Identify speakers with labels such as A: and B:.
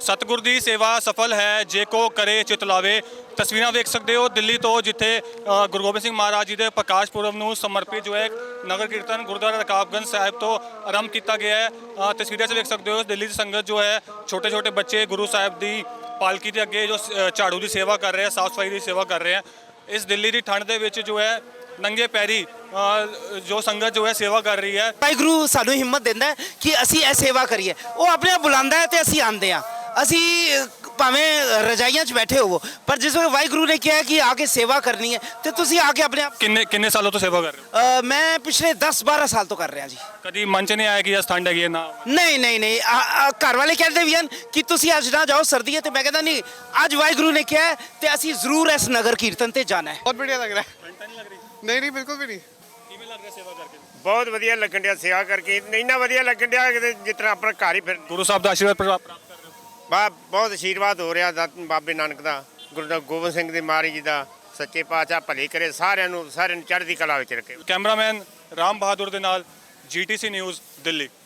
A: ਸਤਿਗੁਰ ਦੀ ਸੇਵਾ ਸਫਲ ਹੈ ਜੇ ਕੋ ਕਰੇ ਚਿਤ ਲਾਵੇ। ਤਸਵੀਰਾਂ ਵੇਖ ਸਕਦੇ ਹੋ ਦਿੱਲੀ ਤੋਂ, ਜਿੱਥੇ ਗੁਰੂ ਗੋਬਿੰਦ ਸਿੰਘ ਮਹਾਰਾਜ ਜੀ ਦੇ ਪ੍ਰਕਾਸ਼ ਪੁਰਬ ਨੂੰ ਸਮਰਪਿਤ ਜੋ ਹੈ ਨਗਰ ਕੀਰਤਨ ਗੁਰਦੁਆਰਾ ਰਕਾਬਗੰਜ ਸਾਹਿਬ ਤੋਂ ਆਰੰਭ ਕੀਤਾ ਗਿਆ ਹੈ। ਤਸਵੀਰਾਂ 'ਚ ਵੇਖ ਸਕਦੇ ਹੋ ਦਿੱਲੀ ਦੀ ਸੰਗਤ ਜੋ ਹੈ, ਛੋਟੇ ਛੋਟੇ ਬੱਚੇ ਗੁਰੂ ਸਾਹਿਬ ਦੀ ਪਾਲਕੀ ਦੇ ਅੱਗੇ ਜੋ ਝਾੜੂ ਦੀ ਸੇਵਾ ਕਰ ਰਹੇ ਆ, ਸਾਫ਼ ਸਫਾਈ ਦੀ ਸੇਵਾ ਕਰ ਰਹੇ ਆ। ਇਸ ਦਿੱਲੀ ਦੀ ਠੰਡ ਦੇ ਵਿੱਚ ਜੋ ਹੈ ਨੰਗੇ ਪੈਰੀ ਜੋ ਸੰਗਤ ਜੋ ਹੈ ਸੇਵਾ ਕਰ ਰਹੀ ਹੈ।
B: ਵਾਹਿਗੁਰੂ ਸਾਨੂੰ ਹਿੰਮਤ ਦਿੰਦਾ ਹੈ ਕਿ ਅਸੀਂ ਇਹ ਸੇਵਾ ਕਰੀਏ। ਉਹ ਆਪਣੇ ਆਪ ਬੁਲਾਉਂਦਾ ਹੈ ਤੇ ਅਸੀਂ ਆਉਂਦੇ ਹਾਂ। ਅਸੀਂ ਭਾਵੇਂ ਰਜਾਈਆਂ 'ਚ ਬੈਠੇ ਹੋਵੋ, ਪਰ ਜਿਸ ਵੇਲੇ ਵਾਹਿਗੁਰੂ ਨੇ ਕਿਹਾ ਕਿ ਆ ਕੇ ਸੇਵਾ ਕਰਨੀ ਹੈ ਤੇ ਤੁਸੀਂ ਆ ਕੇ ਆਪਣੇ ਆਪ।
A: ਕਿੰਨੇ ਸਾਲੋਂ ਤੋਂ ਸੇਵਾ ਕਰ ਰਹੇ ਹੋ?
B: ਮੈਂ ਪਿਛਲੇ 10-12 ਸਾਲ ਤੋਂ ਕਰ ਰਿਹਾ ਜੀ।
A: ਕਦੀ ਮਨ 'ਚ ਨਹੀਂ ਆਇਆ ਕਿ ਅੱਜ ਠੰਡ ਹੈਗੀ ਹੈ ਨਾ?
B: ਨਹੀਂ। ਘਰ ਵਾਲੇ ਕਹਿੰਦੇ ਵੀ ਹਨ ਕਿ ਤੁਸੀਂ ਅੱਜ ਨਾ ਜਾਓ, ਸਰਦੀ ਹੈ, ਤੇ ਮੈਂ ਕਹਿੰਦਾ ਨਹੀਂ, ਅੱਜ ਵਾਹਿਗੁਰੂ ਨੇ ਕਿਹਾ ਹੈ ਤੇ ਅਸੀਂ ਜ਼ਰੂਰ ਇਸ ਨਗਰ ਕੀਰਤਨ ਤੇ ਜਾਣਾ ਹੈ।
C: ਬਹੁਤ बढ़िया लग रहा है।
A: ਠੰਡ ਤਾਂ ਨਹੀਂ ਲੱਗ ਰਹੀ?
C: नहीं बिल्कुल भी नहीं।
A: ਕਿਵੇਂ ਲੱਗ ਰਿਹਾ ਸੇਵਾ ਕਰਕੇ?
D: ਬਹੁਤ ਵਧੀਆ ਲੱਗਣ ਡਿਆ ਸੇਵਾ ਕਰਕੇ, ਇੰਨਾ ਵਧੀਆ ਲੱਗਣ ਡਿਆ ਕਿ ਜਿਸ ਤਰ੍ਹਾਂ ਆਪਣਾ ਘਰ ਹੀ ਫਿਰ
A: ਗੁਰੂ ਸਾਹਿਬ ਦਾ ਆਸ਼ੀਰਵਾਦ ਪ੍ਰਾਪਤ ਕਰ ਰਹੇ ਹੋ?
D: ਬਹੁਤ ਆਸ਼ੀਰਵਾਦ ਹੋ ਰਿਹਾ ਬਾਬੇ ਨਾਨਕ ਦਾ, ਗੁਰੂ ਗੋਬਿੰਦ ਸਿੰਘ ਦੇ ਮਹਾਰਾਜ ਜੀ ਦਾ। ਸੱਚੇ ਪਾਤਸ਼ਾਹ ਭਲੇ ਕਰੇ ਸਾਰਿਆਂ ਨੂੰ ਚੜ੍ਹਦੀ ਕਲਾ ਵਿੱਚ ਰੱਖੇ।
A: ਕੈਮਰਾਮੈਨ ਰਾਮ ਬਹਾਦੁਰ ਦੇ ਨਾਲ GTC ਨਿਊਜ਼ ਦਿੱਲੀ।